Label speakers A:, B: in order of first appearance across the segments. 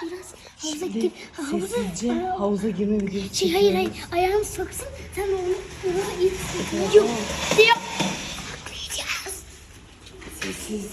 A: biraz havuza gir.
B: Sessizce havuza girme videosu
A: Hayır ayağını soksun. Sen onu ilk yok diyor. Atlayacağız.
B: Sessiz.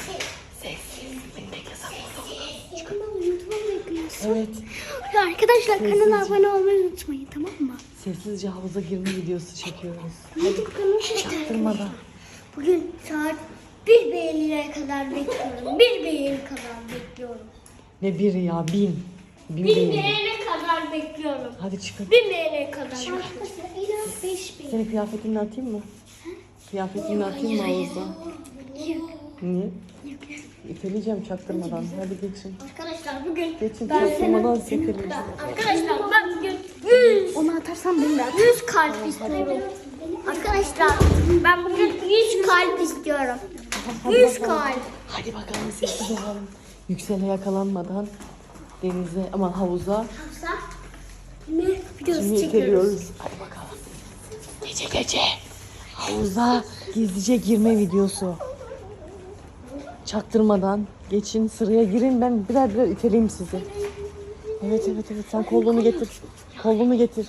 B: Evet.
A: Arkadaşlar kanala abone olmayı unutmayın, tamam mı?
B: Sessizce havuza girme videosu çekiyoruz.
A: YouTube kanalı
B: Çaktırmadan.
A: Bugün saat 1 beğenilere kadar bekliyorum. 1 beğeni kadar bekliyorum.
B: Ne biri ya? 1000. 1000
A: 1
B: beğeni.
A: beğeni kadar bekliyorum.
B: Hadi çıkın.
A: 1 beğeni kadar bekliyorum. En az 5 beğeni.
B: Senin kıyafetini atayım mı? Kıyafetini atayım mı havuza?
A: Yok.
B: Niye? İteleyeceğim çaktırmadan. Hadi geçin.
A: Arkadaşlar bugün
B: Geçin
A: ben
B: çaktırmadan sekeleyin.
A: Arkadaşlar ben bugün 100 onu atarsam beni de 100 kalp istiyorum. Arkadaşlar ben bugün 100 kalp istiyorum. 100 kalp.
B: Hadi bakalım sessiz olalım. Yüksele yakalanmadan denize ama havuza
A: Ne videosu
B: şimdi
A: çekiyoruz.
B: iteliyoruz. Hadi bakalım. Gece havuza gizlice girme videosu. Çaktırmadan geçin, sıraya girin, ben birer birer iteleyeyim sizi. Evet sen kolunu getir. Kolunu getir.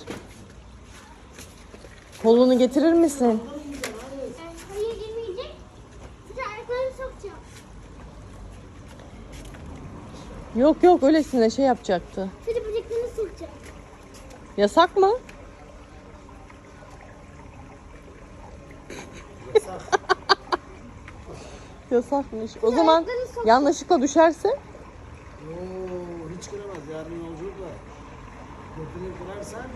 B: Kolunu getirir misin?
A: Hayır girmeyecek. Size ayaklarını sokacağım.
B: Yok öylesine şey yapacaktı.
A: Size bacaklarını sokacağım.
B: Yasak mı? Yasakmış. O zaman yanlışlıkla düşerse?
C: Hiç kıramaz. Yarın yolculuk var. Götünü kırarsan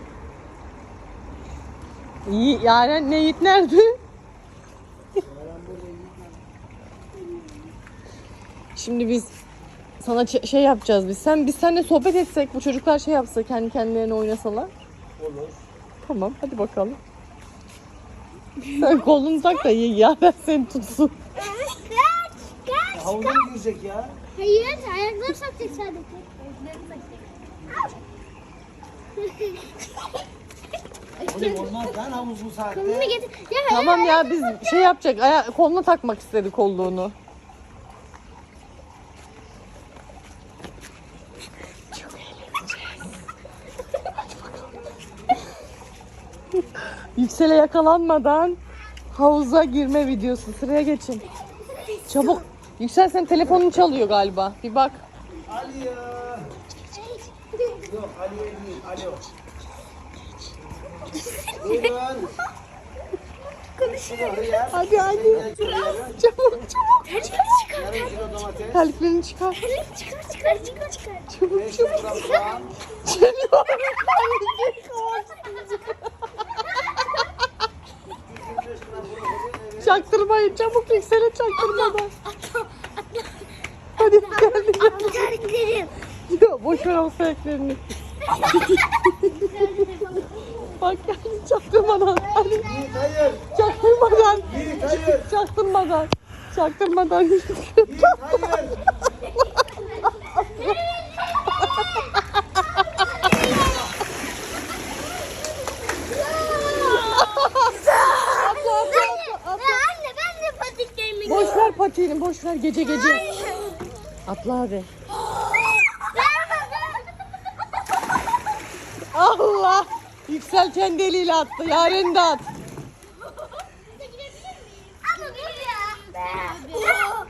B: Yaren ne Yiğit nerede?
C: Yaren burada
B: Şimdi biz sana şey yapacağız biz. Biz seninle sohbet etsek, bu çocuklar şey yapsa, kendi kendilerine oynasalar.
C: olur.
B: Tamam, hadi bakalım. Sen kolunu tak da Yaren seni tutsun.
C: Havuza mı girecek ya?
A: Hayır ayaklarını sokacak sadece.
C: Oğlum olmaz lan havuz bu saatte.
A: Kolunu getir. Ya
B: Tamam ya, biz şey yapacak, koluna takmak istedi kolluğunu. Çok eğleneceğiz. Hadi bakalım. Yüksele yakalanmadan havuza girme videosu. Sıraya geçin. Çabuk. Yüksel, senin telefonun çalıyor galiba. Bir bak.
C: Aliye. Yok Aliye değil. Alo. Buyurun.
B: Hadi. Çabuk.
C: Yarım kilo domates.
B: Terliklerini çıkar.
A: çıkar.
C: 500 gram soğan.
B: Çaktırmayın, çabuk Yüksel'e çaktırmadan. Hadi geldi.
A: Terliklerim.
B: Ya boş ver o sebeplerini. Bak geldi çaktırmadan. Hadi
C: Yiğit hayır.
B: çaktırmadan.
C: Yiğit hayır.
B: Çaktırmadan.
C: Yiğit hayır.
A: Anne ben de patiklerimi
B: Boş ver patiğini, boş ver gece. Atla hadi. Allah! Yüksel kendi eliyle attı. Yaren de at.
A: Ama bir ya.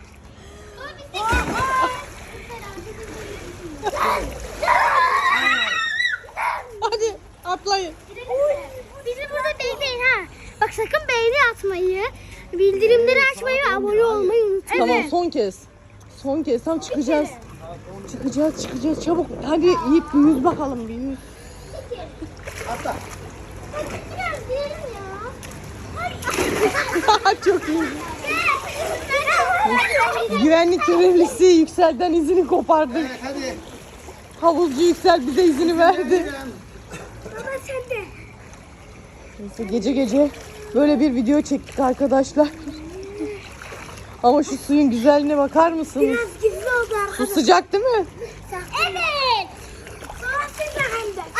B: Hadi atlayın.
A: Bizi burada bekleyin ha. Bak sakın beğeni atmayı, bildirimleri açmayı ve abone olmayı unutmayın.
B: Tamam, son kez tam çıkacağız. Çıkacağız çabuk. Hadi Yiğit, bir yüz bakalım, bir yüz.
C: Atla.
A: Biraz diyelim ya.
B: Çok iyi. Güvenlik görevlisi Yüksel'den izini kopardık.
C: Evet hadi.
B: Havuzcu Yüksel bize izini verdi.
A: Baba sen de.
B: Neyse, gece böyle bir video çektik arkadaşlar. Ama şu suyun güzelliğine bakar mısınız?
A: Biraz gizli oldu
B: Su
A: arkadaşlar.
B: sıcak değil mi?
A: Evet. Sonrasında hem de.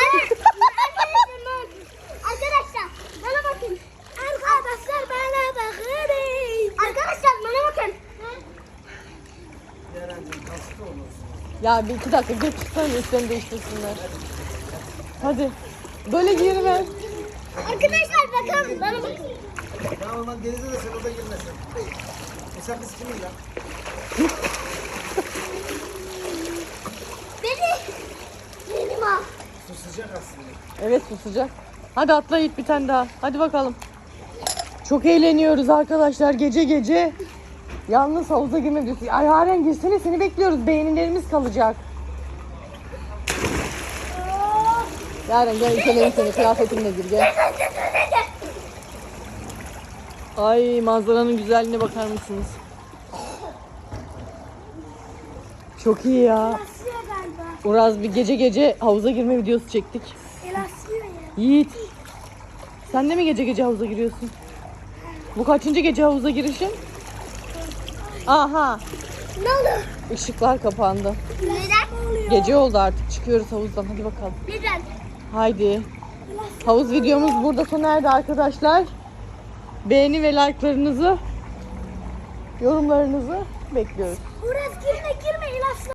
A: Arkadaşlar bana bakın. Arkadaşlar bana bakın. Arkadaşlar bana bakın.
C: Yaren'cim hasta olursun.
B: Ya bir 2 dakika geç çıksana üstlerini değiştirsinler. Hadi. Böyle girme.
A: Arkadaşlar bakın bana bakın.
C: Tamam lan denize de sen orada girmesin. Sen biz kimiz lan?
A: Benim ha.
C: Su sıcak aslında.
B: Evet su sıcak. Hadi atla Yiğit bir tane daha. Hadi bakalım. Çok eğleniyoruz arkadaşlar gece gece. Yalnız havuza girme diyorsun. Ay Yaren girsene seni bekliyoruz. Beğenilerimiz kalacak. Yaren gel itelim seni. Kıyafetinle gir gel. Ay manzaranın güzelliğine bakar mısınız? Çok iyi ya.
A: Elasıyor galiba.
B: Uraz bir gece gece havuza girme videosu çektik.
A: Elasıyor ya.
B: Yiğit. Sen de mi gece gece havuza giriyorsun? Bu kaçıncı gece havuza girişin? Aha.
A: Ne oldu?
B: Işıklar kapandı.
A: Neden?
B: Gece oldu artık. Çıkıyoruz havuzdan. Hadi bakalım.
A: Neden?
B: Haydi. Havuz videomuz burada sona erdi arkadaşlar. Beğeni ve like'larınızı, yorumlarınızı bekliyoruz.
A: Uğraz girme elasıyor.